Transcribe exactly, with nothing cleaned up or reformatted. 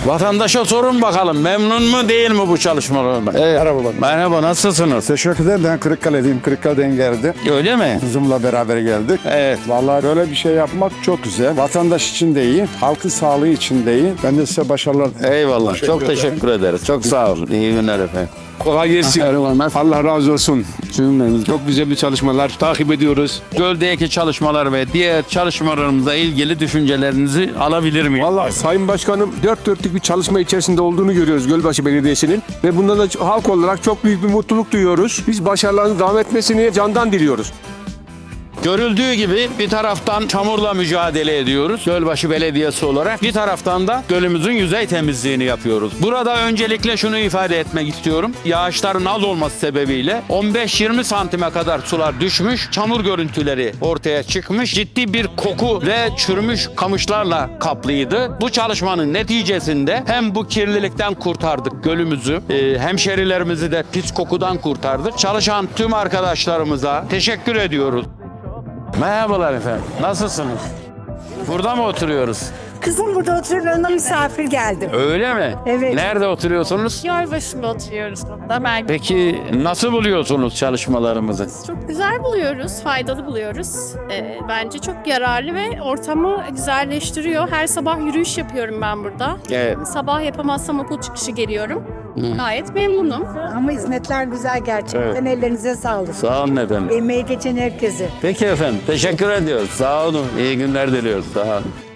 Vatandaşa sorun bakalım, memnun mu değil mi bu çalışmalardan? Evet. Merhaba. Merhaba, nasılsınız? Teşekkür ederim. Ben Kırıkkale'deyim. Kırıkkale'den geldim. Öyle mi? Kızımla beraber geldik. Evet. Vallahi böyle bir şey yapmak çok güzel. Vatandaş için de iyi, halkın sağlığı için de iyi. Ben de size başarılar dilerim. Eyvallah. Teşekkür Çok ederim. teşekkür ederiz. Çok sağ olun. İyi günler efendim. Kolay gelsin. Allah razı olsun. Çok güzel bir çalışmalar takip ediyoruz. Göldeki çalışmalar ve diğer çalışmalarımızla ilgili düşüncelerinizi alabilir miyim? Vallahi Sayın Başkanım dört dörtlük bir çalışma içerisinde olduğunu görüyoruz Gölbaşı Belediyesi'nin. Ve bundan da halk olarak çok büyük bir mutluluk duyuyoruz. Biz başarılarının devam etmesini candan diliyoruz. Görüldüğü gibi bir taraftan çamurla mücadele ediyoruz Gölbaşı Belediyesi olarak. Bir taraftan da gölümüzün yüzey temizliğini yapıyoruz. Burada öncelikle şunu ifade etmek istiyorum. Yağışların az olması sebebiyle on beş yirmi santime kadar sular düşmüş. Çamur görüntüleri ortaya çıkmış. Ciddi bir koku ve çürümüş kamışlarla kaplıydı. Bu çalışmanın neticesinde hem bu kirlilikten kurtardık gölümüzü, e, hemşerilerimizi de pis kokudan kurtardık. Çalışan tüm arkadaşlarımıza teşekkür ediyoruz. Merhabalar efendim. Nasılsınız? Burada mı oturuyoruz? Kızım burada oturuyor, yanına misafir geldim. Öyle mi? Evet. Nerede oturuyorsunuz? Gölbaşı'nda oturuyoruz burada. Ben Peki nasıl buluyorsunuz çalışmalarımızı? çok güzel buluyoruz, faydalı buluyoruz. Ee, bence çok yararlı ve ortamı güzelleştiriyor. Her sabah yürüyüş yapıyorum ben burada. Evet. Sabah yapamazsam okul çıkışı geliyorum. Gayet memnunum. Ama hizmetler güzel gerçekten. Ellerinize sağlık. Sağ olun efendim. Emeği geçen herkese. Peki efendim. Teşekkür ediyoruz. Sağ olun. İyi günler diliyoruz. Sağ olun.